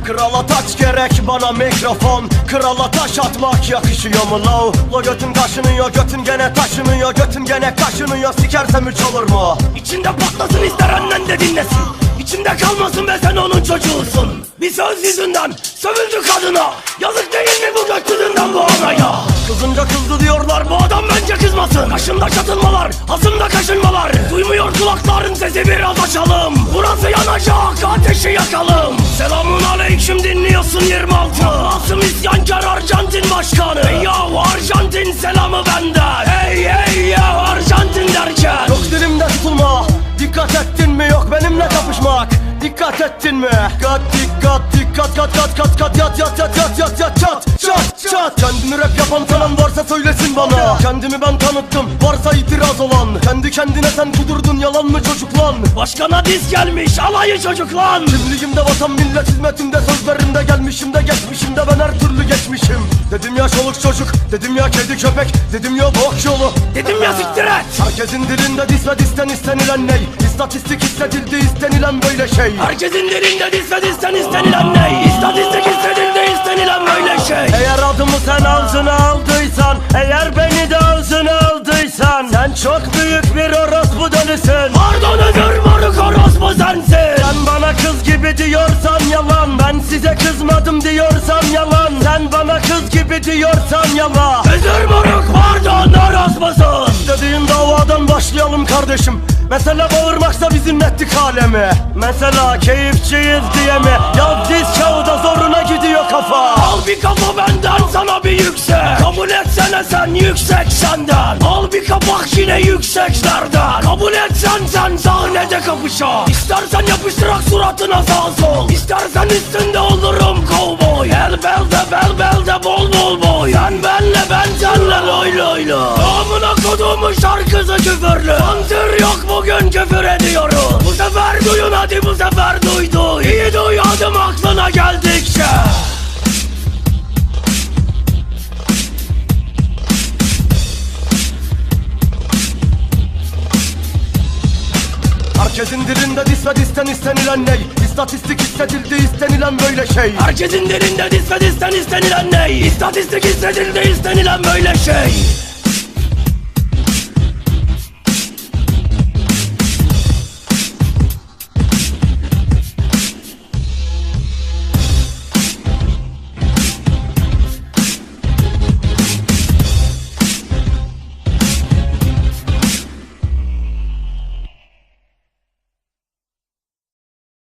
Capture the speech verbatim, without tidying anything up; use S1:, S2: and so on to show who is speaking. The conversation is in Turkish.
S1: Krala taç gerek bana mikrofon, krala taş atmak yakışıyor mu lav? La götün kaşınıyor, götün gene taşınıyor, götün gene kaşınıyor, sikersem üç olur mu?
S2: İçinde patlasın, ister annen de dinlesin. İçinde kalmasın ve sen onun çocuğusun. Bir söz yüzünden sövüldü kadına. Yazık değil mi bu gökyüzünden bu anaya? Kızınca kızdı diyorlar, bu adam bence kızmasın. Kaşında çatılmalar, hasımda kaşınmalar. Duymuyor kulakların sesi, biraz açalım. Burası yanacak, ateşi yakalım. Selamun aleyküm, dinliyorsun yirmi altı. Asım isyankar Arjantin başkanı. Hey yahu Arjantin, selamı benden. Hey hey ya Arjantin derken.
S1: Yok dilimde tutulma, dikkat ettin mi? Yok benimle kapışmak, dikkat ettin mi? Dikkat dikkat dikkat kat kat kat kat yat yat yat yat yat yat çat çat çat. Kendini rap yapan tanın varsa söylesin bana. Kendimi ben tanıttım, varsa itiraz olan. Kendi kendine sen kudurdun, yalan mı çocuk lan?
S2: Başkana diz gelmiş, alayı çocuk lan.
S1: Kimliğimde vatan millet hizmetinde, sözlerimde gelmişim de geçmişimde ben her türlü geçmişim. Dedim ya çoluk çocuk, dedim ya kedi köpek, dedim ya bok yolu,
S2: dedim ya siktir et.
S1: Herkesin dilinde dis ve disten istenilen ney? İstatistik hissedildi istenilen böyle şey.
S2: Herkesin dilinde dis ve disten istenilen ney? İstatistik hissedildi istenilen böyle şey.
S1: Eğer adımı sen ağzına aldıysan, eğer beni de ağzına aldıysan, sen çok büyük bir orospu dönüsün.
S2: Pardon özür moruk, orospu sensin.
S1: Sen bana kız gibi diyorsan yalan, ben size kızmadım diyorsan yalan. Sen bana kız gibi diyorsan yalan.
S2: Özür moruk, pardon orospusun.
S1: İstediğin davadan başlayalım kardeşim. Mesela bağırmaksa bizim ettik alemi. Mesela keyifçiyiz diye mi? Yaz diz kağıda zoruna gidiyor kafa.
S2: Al bir kafa benden, sana bir yüksek. Kabul etsene sen, yüksek senden. Al bir kapak yine yükseklerden. Kabul etsen sen, sahnede kapışa. İstersen yapıştırak suratına sağ sol. İstersen üstünde olurum kovboy. El belde bel belde bol bol boy. Sen benle ben senle loy loy loy. Amına koduğumun şarkısı küfürlü. Sansür yok, bugün küfür ediyoruz. Bu sefer duyun hadi, bu sefer duydu. İyi duy adım aklına geldikçe.
S1: Herkesin dilinde dis ve disten istenilen ney? İstatistik hissedildi istenilen böyle şey.
S2: Herkesin dilinde dis ve disten istenilen ney? İstatistik hissedildi istenilen böyle şey.